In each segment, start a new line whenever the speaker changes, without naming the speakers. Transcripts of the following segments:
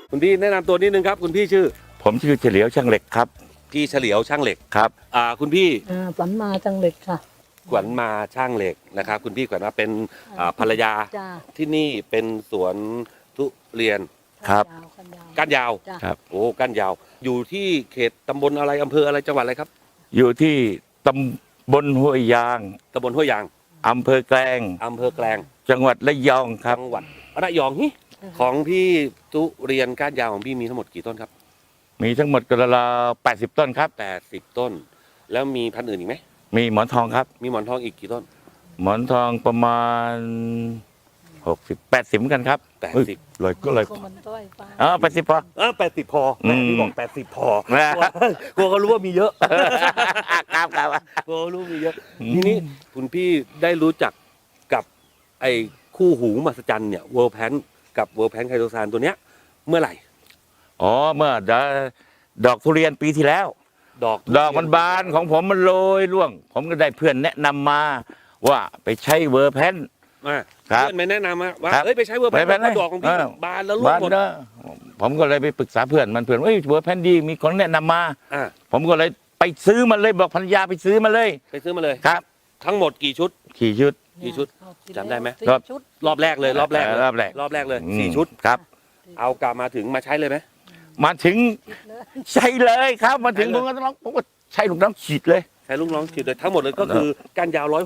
คุณพี่แนะนำตัวนิดนึงครับคุณพี่ชื่อ
ผมชื่อเฉลียวช่างเหล็กครับ
พี่เฉลียวช่างเหล็ก
ครับ
คุณพี่
ฝันมาจังเหล็กค่ะ
ขวัญมาช่างเหล็กนะครับคุณพี่ขวัญมาเป็นภรรยาที่นี่เป็นสวนทุเรียน
ครับ
ก้านยาว
ครับ
โอ้ก้านยาวอยู่ที่เขตตำบลอะไรอำเภออะไรจังหวัดอะไรครับ
อยู่ที่ตำบลห้วยยาง
ตำบลห้วยยาง
อำเภอแกลงจังหวัดระยองครับ
จังหวัดระยองของพี่ทุเรียนก้านยาวของพี่มีทั้งหมดกี่ต้นครับ
มีทั้งหมดกระลา80 ต้นครับ
80 ต้นแล้วมีพันธุ์อื่นอีกไหม
มีหมอนทองครับ
มีหมอนทองอีกกี่ต้น
หมอนทองประมาณ60-80เหมือนกันครับ
80
เลยก็เลย80พอ
80พอพี่บอก80พอกลัวเขารู้ว่ามีเยอะ
ครับ
กลัวรู้มีเยอะทีนี้คุณพี่ได้รู้จักกับไอ้คู่หูมหัศจรรย์เนี่ยเวิร์ลแพนกับเวิร์ลแพนไคโตซานตัวเนี้ยเมื่อไหร่
เมื่อดอกทุเรียนปีที่แล้วดอกมันบานของผมมันโรยร่วงผมก็ได้เพื่อนแนะนำมาว่าไปใช้เวอร์แพน
เพื่อนไม่แนะนำว่าไปใช้เวอร์แพนดอกของพี่บานแล้วร่วงหมด
ผมก็เลยไปปรึกษาเพื่อนเวอร์แพนดีมีคนแนะนำมาผมก็เลยไปซื้อมันเลยบอกภรรยาไปซื้อมาเลยครับ
ทั้งหมดกี่ชุดจำได้ไหมรอบแรกเลย4 ชุด
ครับ
เอากลับมาถึงมาใช้เลยไหม
มาถึงใช่เลยครับมาถึงผมก็ใช้ลูกน้องฉีดเลย
ใช้ลูกน้องฉีดเลยทั้งหมดเลยก็คือก้านยาว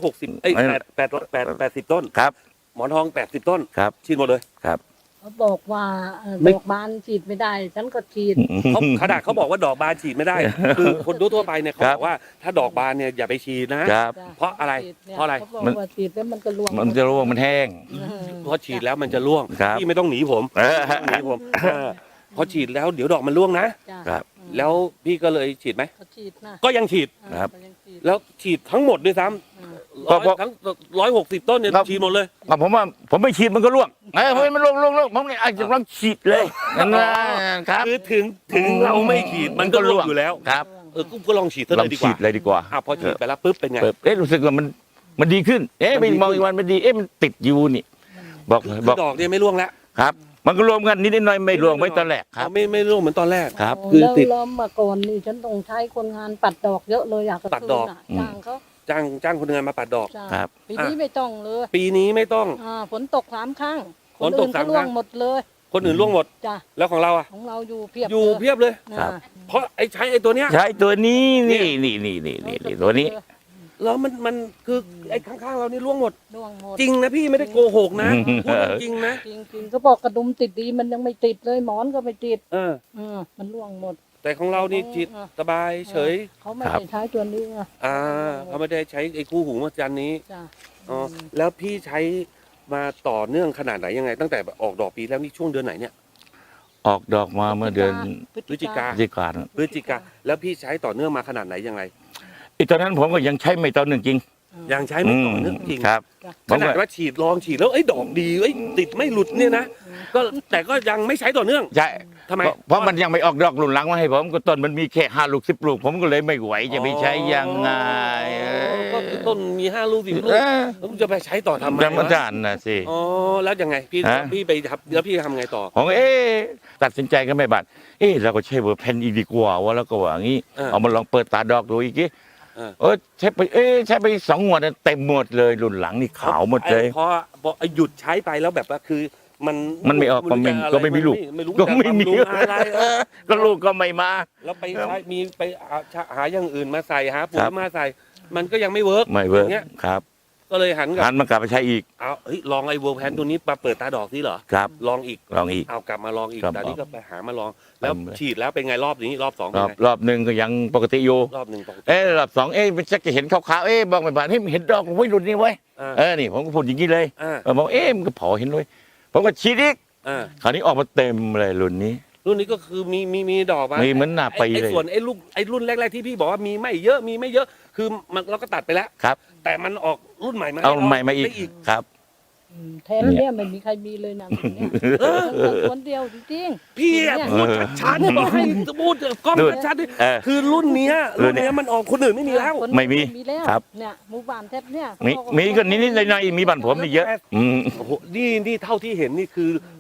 80ต้น
ครับ
หมอนทอง80 ต้น
ครับ
ฉีดหมดเลย
ครับ
เขาบอกว่าดอกบานฉีดไม่ได้ฉันก็ฉีด
ขนาดเขาบอกว่าดอกบานฉีดไม่ได้คือคนทั่วไปเนี่ยเขาบอกว่าถ้าดอกบานเนี่ยอย่าไปฉีดนะเพราะอะไร
มันฉีดแล้วมันก็ร่วง
มันจะร่วงมันแห้ง
เพราะฉีดแล้วมันจะร่วงพี่ไม่ต้องหนีผมพอฉีดแล้วเดี๋ยวดอกมันร่วงนะครับแล้วพี่ก็เลยฉีดไหมก็ยังฉีด
ครับ
แล้วฉีดทั้งหมดด้วยซ้ำทั้ง160 ต้นเนี่ยฉีดหมดเลย
ผมไม่ฉีดมันก็ร่วงมันร่วงผมเนี่ยอาจจะต้องฉีดเลยนะครับ
คือถึงเราไม่ฉีดมันก็ร่วงอยู่แล้ว
ครับ
ก็ลองฉีดเลยดีกว่าพอฉีดไปแล้วปุ๊บเป็นไง
รู้สึกว่ามันดีขึ้นไปมองอีกวันมันดีมันติดอยู่นี่บอก
ดอกเนี่ยไม่ร่วงแล้ว
ครับมันก็รวมกันนิดหน่อยไม่รวมไม่ตอนแรกครับ
ไม่รวมเหมือนตอนแรก
ครับ
คือติดล้อมมาก่อนนี่ฉันต้องใช้คนงานปัดดอกเยอะเลยอยาก
ปัดดอก
จ้างเขา
จ้างคนงานมาปัดดอก
ครับ
ปีนี้ไม่ต้องเลย
ปีนี้ไม่ต้อง
ฝนตก3 ครั้งคนอื่นก็ร่วงหมดเลย
คนอื่นร่วงหมด
จ้ะ
แล้วของเรา
ของเราอยู่เพีย
บเลยเพราะใช้ตัวเนี้ย
ใช้ตัวนี้นี่ตัวนี้
แล้วมันคือไอ้ข้างๆเรานี่ร่วงหมดจริงนะพี่ไม่ได้โกหกนะพูดจริงนะ
จริงเขาบอกกระดุมติดดีมันยังไม่ติดเลยหมอนก็ไม่ติดมันร่วงหมด
แต่ของเรานี่จิตสบายเฉย
เขาไม่ได้ใช้ตัวนี้
เขาไม่ได้ใช้ไอ้คู่หูมหัศจรรย์นี้แล้วพี่ใช้มาต่อเนื่องขนาดไหนยังไงตั้งแต่ออกดอกปีแล้วนี่ช่วงเดือนไหนเนี่ย
ออกดอกมาเมื่อเดือน
พฤศจิกาแล้วพี่ใช้ต่อเนื่องมาขนาดไหนยังไง
ตอนนั้นผมก็ยังใช้ไม่ต่อเนื่องจริง
ยังใช้ไม่ต่อเนื่องจริง
ครับ
ขนาดว่าลองฉีดแล้วดอกดีติดไม่หลุดเนี่ยนะก็แต่ก็ยังไม่ใช้ต่อเนื่อง
ใช่
ทำไม
เพราะมันยังไม่ออกดอกหลุนหลังมาให้ผมก็ต้นมันมีแค่5 ลูก10 ลูกผมก็เลยไม่ไหวจะไปใช้ยังไง
ก็ต้นมี5 ลูก10 ลูกแล้วจะไปใช้ต่อทำไม
อาจารย์นะสิ
แล้วยังไงพี่ไปทำแล้วพี่ทำไงต่อ
ของตัดสินใจกันไม่บัดเราก็ใช้เวอร์แพนดีกว่าแล้วก็ว่างี้เอามาลองเปิดตาดอกดูอีกทีใช้ไป2 งวดเต็มหมดเลยรุ่นหลังนี่ขาวหมดเลย
เพราะหยุดใช้ไปแล้วแบบว่าคือ
มันไม่ออกก็ไม่มีลูกก็ไม่มี
อะไร
ก็ลูกก็ไม่มา
แล้วไปใช้มีไปหาอย่างอื่นมาใส่หาปุ๋ยมาใส่มันก็ยังไม่เวิร์ก
ครับ
ก็เลยหัน
มากลับไปใช้อีก
ลองไอ้เวิร์กแพนตัวนี้มาเปิดตาดอกนี่เหรอ
ครับ
ลองอีกเอากลับมาลองอีกแต่นี้ก็ไปหามาลองแล้วฉีดแล้วเป็นไงรอบนี้รอบ2
รอบ1ก็ยังปกติอยู่
รอบ1ปกติ
รอบ2มันจะเห็นขาวๆบอกไม่บานเห็นดอกไว้รุ่นนี้ไว้นี่ผมก็พูดอย่างนี้เลยบอกมันก็พอเห็นเลยผมก็ฉีดอีกคราวนี้ออกมาเต็มเลยรุ่นนี้
ก็คือมีดอก
มีเหมือนหน้าไปเลย
ส่วนไอ้รุ่นแรกๆที่พี่บอกว่ามีไม่เยอะคือมันเราก็ตัดไปแล้ว
ครับ
แต่มันออกรุ่นใหม่มา
เอาใหม่มาอีกครับ
แทนเนี่ยไม่มีใครมีเลยนะคนเดียวจริง
ๆพี่พูดชัดๆบอกให้พูดกล้องชัดๆคือรุ่นนี้มันออกคนอื่นไม่มีแล้ว
ไม่มีครับ
เนี่ยหมู่บ้านแทบเนี่ย
มีก็นิดๆหน่อยๆมีบ้านผมนี่เยอะ
โอ้โหนี่เท่าที่เห็นนี่คือ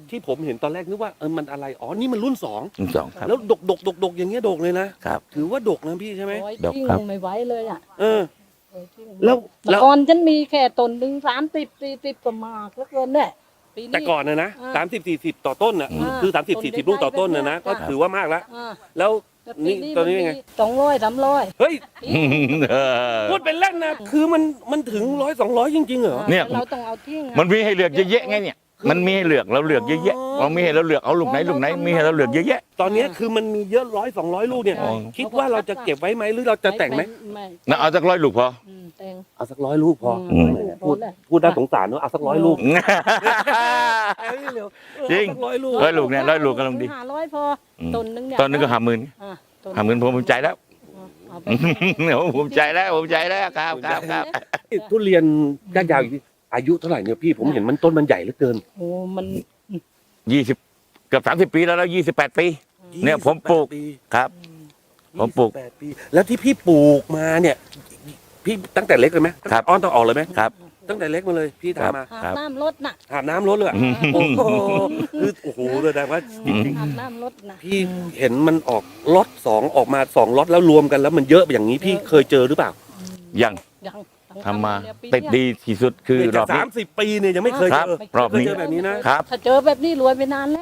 ที่ผมเห็นตอนแรกนึกว่ามันอะไรอ๋อนี่มันรุ่น
สองครับ
2แล้วดกอย่างเงี้ยดกเลยนะครับ ถือว่าดกนะพี่ใช่ไหม
โอ้ย
ดอก
ทิ้ง
ครับ
ไม่ไหวเลยอ่ะ
เออ
โอ้ยทิ้ง
แล้ว
เมื่อก่อนฉันมีแค่ต้นหนึ่ง30-40ก็มากแล้วเกินเนี่ยปีนี้
แต่ก่อนนะ
อ่า
30-40ต่อต้นน่ะ
อ่า
คือ30-40ลูกต่อต้นนะก็
จ้ะ
ถือว่ามากแล้ว
อ่า
แล้ว
แต่
นี่ตอนนี้เป็นไง
200-300
เฮ้ย
เออ
พูดเป็นเล่นนะคือมันถึง100-200จริงๆเหรอ
เนี่ย
แต่เราต้องเอาทิ้งอะ
มันมีให้เลือกเยอะแยะไงเนี่ย มันมีให้เลือกเราเลือกเยอะแยะเรามีให้เราเลือกเอาลูกไหนมีให้เราเลือกเยอะแยะ
ตอนนี้คือมันมีเยอะ100-200ลูกเนี่ย
อ๋อ
คิดว่าเราจะเก็บไว้ไหมหรือเราจะแต่งไหม
ไม่
นะเอาสัก100 ลูกพอ
แต่ง
เอาสัก100ลูกพอ
อืม
พูดน่าสงสารเนอะเอาสัก100ลูก
จริง
100ลูก
100 ลูกเนี่ย100 ลูกกำลังดี
500พอต้นหนึงเนี่ย
ตอนนึงก็50,000
อ่ะต้น
50,000ผมภูมิใจแล้ว
เอาไป
ผมภูมิใจแล้วครับ
ทุเรียนก้านยาวอีกทีอายุเท่าไหร่เนี่ยพี่ผมเห็นมันต้นมันใหญ่เหลือเกิน
โอ้มัน
20เกือบ30 ปีแล้ว28 ปี เนี่ยผมปลูก
28ปี
ครับ ผมปลูก
28ปีแล้วที่พี่ปลูกมาเนี่ย พี่ตั้งแต่เล็กเลยไหม
ครับ
อ้อนต้องออกเลยไหม
ครับ
ตั้งแต่เล็กมาเลยพี่
ครับ
ทำมา
อาบน้ำรถน่ะ
อาบน้ำรถเลยอะโอ้โหคือโอ้โหแสดงว่าจริง
อาบน้ำรถน่ะ
ๆพี่เห็นมันออกล็อต2ออกมา2ล็อตแล้วรวมกันแล้วมันเยอะอย่างนี้พี่เคยเจอหรือเปล่า
ยัง
ยัง
ทำมา
เนี่ยปี
ติด
เนี้ย
ดีที่สุดคือรอบนี้
30 ปีเนี่ยยังไม่เคย
ครับ
เจอ
รอบ
เคย
นี้
เจอแบบนี้นะครับ
ถ้าเจอแบบนี้รวยไปนานแล้ว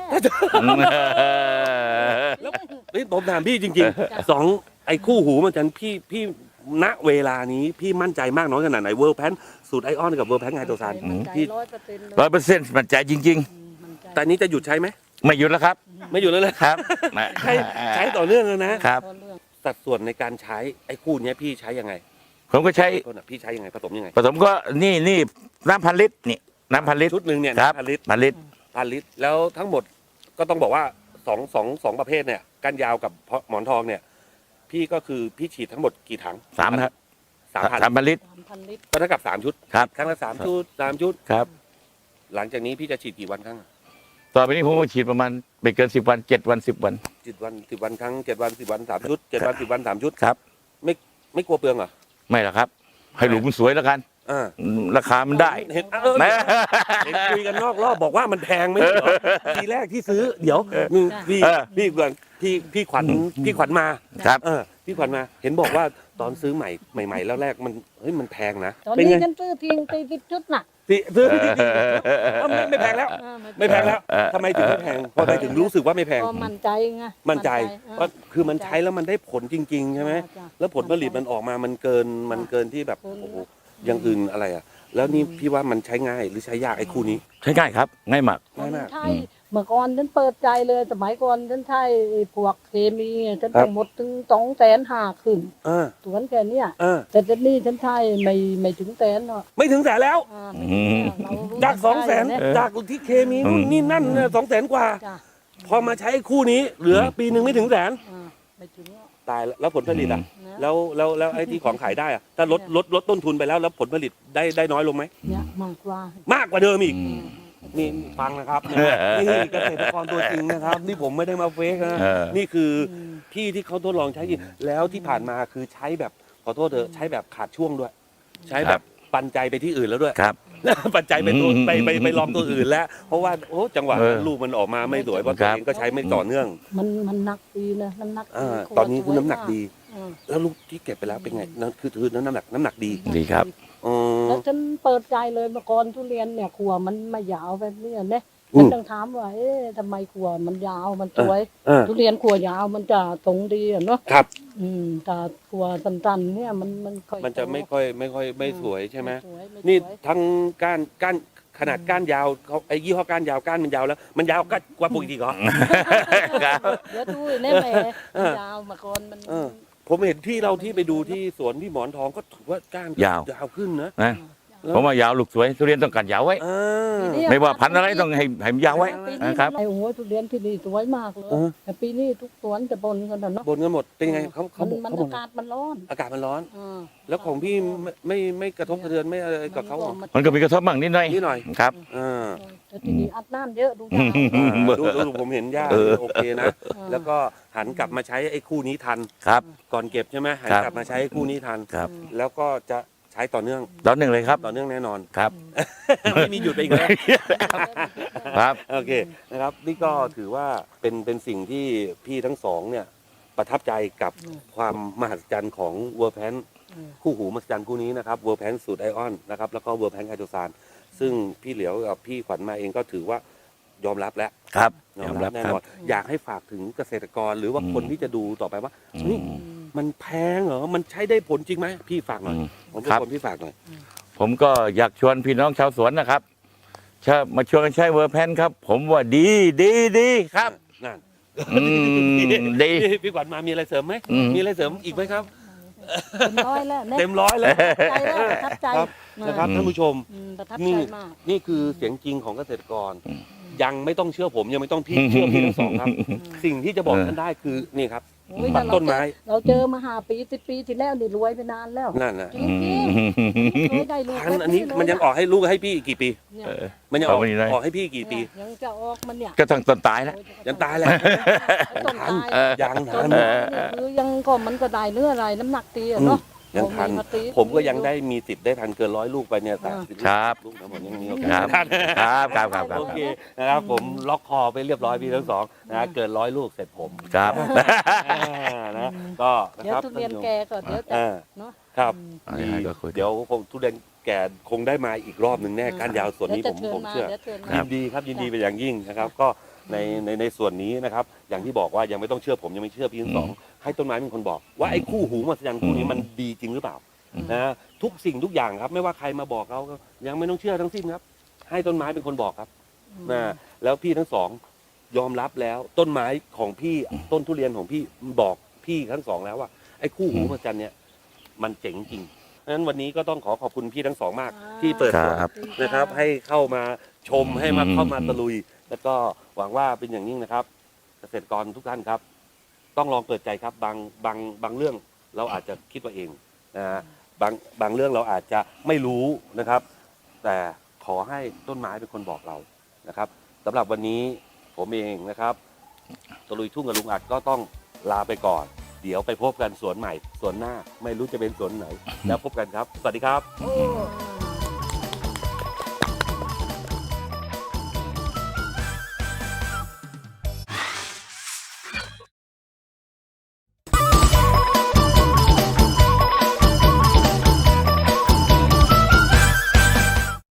แล้วนี่ผมถามพี่จริงๆ2ไอ้คู่หูมันจันพี่ณเวลานี้พี่มั่นใจมากน้อยขนาดไหนเวิร์ลแพนสูตรไอออนกับเวิร์ลแพนไงตัวซาน
มันใจ
พี่
100%เลย
100%มั่นใจจริง
มันใจ
แต่นี้จะหยุดใช้ไหม
ๆ ไม่หยุดแล้วครับ
ไม่หยุดแล้วเลย
ครับ
ใช้ต่อเนื่องแล้วนะ
ครับ
เพราะเรื่อง
สัดส่วนในการใช้ไอ้คู่เนี้ยพี่ใช้ยังไง
ผมก็ใช้
ต้นอะพี่ใช้ยังไงผสมยังไง
ผสมก็นี่น้ำ1,000 ลิตรนี่น้ำ1,000 ลิตร
ชุดหนึ่งเนี่ย
ครับ
1,000 ลิตร
1,000 ลิตร
1,000 ลิตรแล้วทั้งหมดก็ต้องบอกว่าสองประเภทเนี่ยก้านยาวกับหมอนทองเนี่ย พี่ก็คือพี่ฉีดทั้งหมดกี่ถัง
3 ครับ
3,000
3,000 ลิตร
3,000 ลิตร
ก็เท่ากับ3ชุด
ครับ
ครั้งละ3ชุด3ชุด
ครับ
หลังจากนี้พี่จะฉีดกี่วันครั้ง
ต่อไปนี้ผมก็ฉีดประมาณไม่เกิน10 วัน7 วัน 10 วัน
10 วันครั้ง7 วัน10 วัน3ชุด7 วัน10 วัน3ชุด
ครับ
ไม่กลัวเปลืองเหรอ
ไม่หรอกครับ ให้หลูกมันสวยแล้วกัน
อ่า
ราคามันได้
เห็น
แม่
เห็นคุยกันนอกรอบบอกว่ามันแพงไหมเหรอทีแรกที่ซื้อ เดี๋ยวพี่
เออ
พี่ก่อนพี่ขวัญมา
ครับ
พี่ขวัญมา เห็นบอกว่าตอนซื้อใหม่แล้วแรกมันเฮ้ยมันแพงนะ
ตอน
เป็น
นี้
ไง
ฉันซื้อทิ้ง40 ชุดน่ะ
ซื้อไม่แพงแล้ว ไม่แพงแล้ว
เออ
ทำไมถึงไม่แพงทำไมถึงรู้สึกว่าไม่แพง
ก็มั่นใจไง
มั่นใจ
อ่า
ว่าคือมันใช้แล้วมันได้ผลจริง ๆ ใช่ไหม
จ้ะ
แล้วผลผลิตมันออกมามันเกินที่แบบ
เกิน
โอ้โหอย่างอื่นอะไรอ่ะ แล้วนี่พี่ว่ามันใช้ง่ายหรือใช้ยากไอ้คู่นี้
ใช้ง่ายครับ ง่ายมาก
ง่ายมาก
ใช่เมื่อก่อนฉันเปิดใจเลยสมัยก่อนฉันใช้พวกเคมีฉัน
ครับ
ต้องหมดถึง250,000ขึ้น
อ่า
สวนแค่เนี้ย
อ่า
แต่เดี๋ยวนี้ฉันใช้ไม่ถึงแสนหรอก
ไม่ถึงแสนแล้ว
ไม่ถึงแสนเรารู้
จาก 200,000
เนี่ย
จากที่เคมีนู่นนี่นั่นเนี่ย200,000 กว่า
จ้ะ
พอมาใช้คู่นี้เหลือปีหนึ่งไม่ถึงแสน
ไม่ถึงหรอก
ตายแล้วผลผลิตอ่ะ
นะ
แล้วไอ้ที่ของขายได้อ่ะถ้าลดต้นทุนไปแล้วผลผลิตได้น้อยลงไหม
เนี่ยมากกว่า
มากกว่าเดิมอีก
อืม
นี่ฟังนะครับนี่เกษตรกรตัวจริงนะครับ นี่ผมไม่ได้มาเฟกนะ
เออ
นี่คือ
ม
พี่ที่เขาทดลองใช้จริงแล้วที่ผ่านมาคือใช้แบบขอโทษเถอะใช้แบบขาดช่วงด้วย ใช้แบบปันใจไปที่อื่นแล้วด้วย
ครับ
ปัจจัยไปตัว
อืม
ไปลองตัวอื่นแล้ว เพราะว่าโอ้จังหวะ
เออ
ลูกมันออกมาไม่สวยเพราะ
ค
ตัว
รับ
เองก็ใช้ไม่ต่อเนื่อง
มันหนักดีนะน้ำหนักดี
ตอนนี้คือน้ำหนักดี
อืม
แล้วลูกที่เก็บไปแล้วเป็นไงนั่นคือน้ำหนักดี
ดีครับ
อ๋อ
แล้วฉันเปิดใจเลยเมื่อก่อนทุเรียนเนี่ยขัวมันไม่ยาวแบบนี้เนี่ย
อื
ฉัน
ม
ต้องถามว่าเอ๊ะทำไมขัวมันยาวมันสวย
เออ
ทุเรียนขัวยาวมันจะตรงดีอะเนาะ
ครับ
แต่ขัวสั้นๆเนี่ยมันค่อย
มันจะไม่ค่อยไม่สวยใช่ไหม
สวยไม่สวย
นี่ทั้งก้านขนาดก้านยาวเขาไอ้ยี่ห้อก้านยาวก้านมันยาวแล้ว มันยาวกว่าปกติเหรอ
ครับ
เดี๋ยวดูแน่แหม่
เออ
ยาวเมื่อก่อนมัน
เออ ผมเห็นที่เราที่ไปดูที่สวนที่หมอนทองก็ถือว่าก้าน
ยาว
ขึ้นนะ
นะผมว่ายาวลูกสวยทุเรียนต้องการยาวไว้
อ่า
ไม่ว่าพันธุ์อะไรต้องให้มันยาวไว้
ปีนี้
นะครับ
ไอ้โอ้โหทุเรียนที่นี่สวยมากเลย
เออ
แต่ปีนี้ทุกสวนจะบนกันเนาะ
บนกันหมดเป็นยังไงเขา
มัน
บอก
อากาศมันร้อน
อากาศมันร้อน
อ่า
แล้วของพี่ไม่กระทบกระเทือนไม่อะไรกับเขาเหรอ
มันก็มีกระทบบ้างนิดหน่อย
นิดหน่อย
ครับ
อ่า
แต่ที่นี่อัดน้ำเยอะดูดาว
ดูผมเห็นย่าโอเคนะ แล้วก็หันกลับมาใช้ไอ้คู่นี้ทัน
ครับ
ก่อนเก็บใช่ไหมหัน
ครับ
กลับมาใช้ไอ้คู่นี้ทัน
ครับ
แล้วก็จะใช้ต่อเนื่อง
ตอนหนึ่งเลยครับ
ต่อเนื่องแน่นอน
ครับ
ไม่มีหยุดไปอีกแล้ว
ครับ
โอเคนะครับนี่ก็ถือว่าเป็นสิ่งที่พี่ทั้งสองเนี่ยประทับใจกับความมหัศจรรย์ของเวอร์แพนคู่หูมหัศจรรย์คู่นี้นะครับเวอร์แพนสูตรไอออนนะครับแล้วก็เวอร์แพนไฮโดรซานซึ่งพี่เหลียวกับพี่ขวัญมาเองก็ถือว่ายอมรับแล้ว
ครับ
ยอมรับแน่นอนอยากให้ฝากถึงเกษตรกรหรือว่าคนที่จะดูต่อไปว่านี่มันแพงเหรอมันใช้ได้ผลจริงไหมพี่ฝากหน่อยผมเป็นคนพี่ฝากหน่อย
ผมก็อยากชวนพี่น้องชาวสวนนะครับมาชวนกันใช้เวอร์แพนครับ ผมว่าดีครับ
นั่น
ดี
พี่ขวัญมามีอะไรเสริมไหม มีอะไรเสริมอีกไหมครับ
เต็มร้อยแล้วเนี่ย
เต็มร้อยเลย
ใจแล้วประทับใจ
ครับนะครับท่านผู้ชม
ประทับใจ
นี่
มาก
นี่คือเสียงจริงของเกษตรกร ยังไม่ต้องเชื่อผมยังไม่ต้องพี่เชื่อพี่ทั้งสองครับ สิ่งที่จะบอกท่านได้คือนี่ครับ
โอ้ย
ตัดต้นไม้
เราเจอมา5 ปี10 ปีที่แล้วนี่รวยไปนานแล้ว
นั่นนะ
จริงๆเคยได้ลูก
พันธุ์อันนี้มันยังออกให้ลูกให้พี่อีกกี่ปี
เนี่ย
มันยังออก
เอาไปนี่เลย
ออกให้พี่อีกกี่ปี
ยังจะออกมันเนี่ย
ก็ต้องต้นตายแล้ว
ยังตายแล้ว
ต้นตาย
ยัง
ต้
ทั
น
น
ไม้เนี่ยคือยังก็มันก็ได้เนื้ออะไรน้ำหนักตีอะเนาะ
ยังทัน
เอามาตี
ผมก็ยังได้มีสิทธิ์ได้ทันเกิน100 ลูกไปเนี่ย30
ครับ
ลูกทั้งหมดยังมีโอกา
ครั
ส
บ
ทัน
ครับ
โอเคนะครับผมล็อกคอไปเรียบร้อยพี่ทั้งสองนะเกิน100 ลูกเสร็จผม
ครับ
นะก็นะ
เดี๋ย
คว รับ
ทุเรียนแกก็เดี๋ยวจะ
อ่า
เนาะ
ครับ
อะไรก็คุย
เดี๋ยวคงทุเรียนแก่คงได้มาอีกรอบหนึ่งแน่ก้านยาวส่วนนี้ผมเชื่อ
ดี๋ยวเชิญมา
ยินดีครับยินดีเป็นอย่างยิ่งนะครับ ก็ในส่วนนี้นะครับ อย่างที่บอกว่ายังไม่ต้องเชื่อผมยังไม่เชื่อพี่ทั้งสองให้ต้นไม้เป็นคนบอก ว่าไอ้คู่หูมหัศจรรย์คู่นี้มันดีจริงหรือเปล่านะทุกสิ่งทุกอย่างครับ ไม่ว่าใครมาบอกเราก็ยังไม่ต้องเชื่อทั้งสิ้นครับ ให้ต้นไม้เป็นคนบอกครับนะแล้วพี่ทั้งสองยอมรับแล้วต้นไม้ของพี่ต้นทุเรียนของพี่บอกพี่ทั้งสองแล้วว่าไอ้คู่หูมหัศจรรย์เนี่ยมันเจ๋งจริงเพราะฉะนั้นวันนี้ก็ต้องขอบคุณพี่ทั้งสองมาก ที่เปิดสวน
ครับ
นะครับ ให้เข้ามาชมให้มาเข้ามาตะลุย แล้วก็หวังว่าเป็นอย่างยิ่งนะครับ เกษตรกรทุกท่านครับ ต้องลองเปิดใจครับบางเรื่องเราอาจจะคิดว่าเองนะฮะบางเรื่องเราอาจจะไม่รู้นะครับ แต่ขอให้ต้นไม้เป็นคนบอกเรานะครับสำหรับวันนี้ผมเองนะครับตะลุยทุ่งกับลุงอัดก็ต้องลาไปก่อน เดี๋ยวไปพบกันสวนใหม่สวนหน้า ไม่รู้จะเป็นสวนไหน แล้วพบกันครับ สวัสดีครับ
โอ้